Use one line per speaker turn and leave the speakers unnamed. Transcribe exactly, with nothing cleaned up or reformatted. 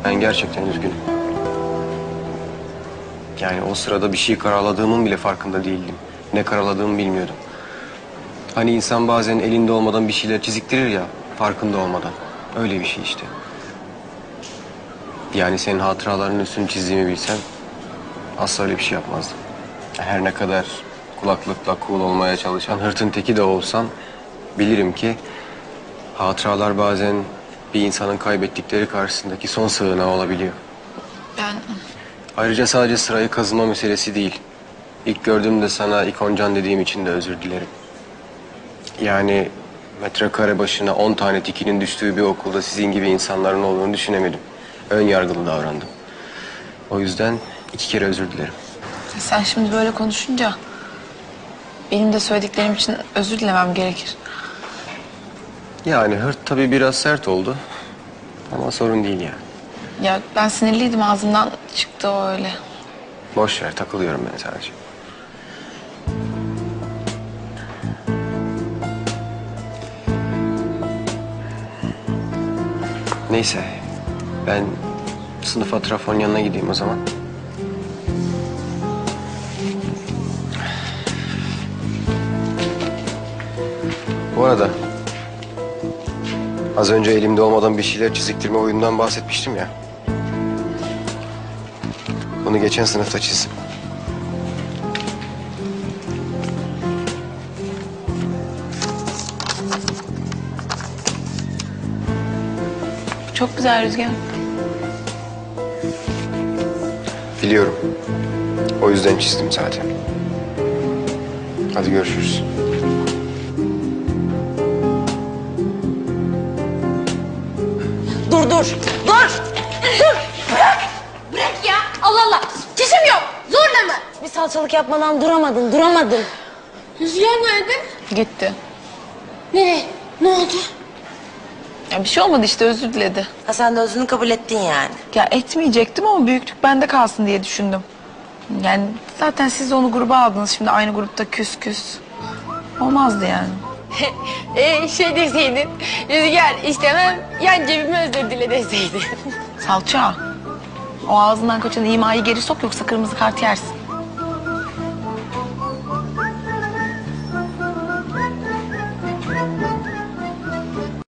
Ben gerçekten üzgünüm. Yani o sırada bir şey karaladığımın bile farkında değildim. Ne karaladığımı bilmiyordum. Hani insan bazen elinde olmadan bir şeyler çiziktirir ya, farkında olmadan. Öyle bir şey işte. Yani senin hatıralarının üstünü çizdiğimi bilsem asla öyle bir şey yapmazdım. Her ne kadar kulaklıkla cool olmaya çalışan hırtın teki de olsam bilirim ki hatıralar bazen bir insanın kaybettikleri karşısındaki son sığınağı olabiliyor.
Ben...
Ayrıca sadece sırayı kazıma meselesi değil. İlk gördüğümde sana ikoncan dediğim için de özür dilerim. Yani metrekare başına on tane tikinin düştüğü bir okulda sizin gibi insanların olduğunu düşünemedim. Ön yargılı davrandım. O yüzden iki kere özür dilerim.
Sen şimdi böyle konuşunca benim de söylediklerim için özür dilemem gerekir.
Yani hırt tabii biraz sert oldu. Ama sorun değil yani.
Ya ben sinirliydim, ağzımdan çıktı o öyle.
Boş ver, takılıyorum ben sadece. Neyse, ben sınıf Atrafon'un yanına gideyim o zaman. Bu arada az önce elimde olmadan bir şeyler çiziktirme oyunundan bahsetmiştim ya. Bunu geçen sınıfta çizdim.
Çok güzel Rüzgar.
Biliyorum. O yüzden çizdim zaten. Hadi görüşürüz.
Dur, dur, dur! Dur! Bırak! Bırak ya! Allah Allah! Çişim yok! Zorla mı? Bir salçalık yapmadan duramadın, duramadın. Rüzgar nerede?
Gitti.
Nereye? Ne oldu?
Ya bir şey olmadı işte, özür diledi.
Ha, sen de özünü kabul ettin yani.
Ya etmeyecektim ama büyüklük bende kalsın diye düşündüm. Yani zaten siz de onu gruba aldınız, şimdi aynı grupta küs küs. Olmazdı yani.
Ee, şey deseydin, Rüzgar istemem, yan cebime özür dile deseydin.
Salça, o ağzından kaçan imayı geri sok, yoksa kırmızı kart yersin.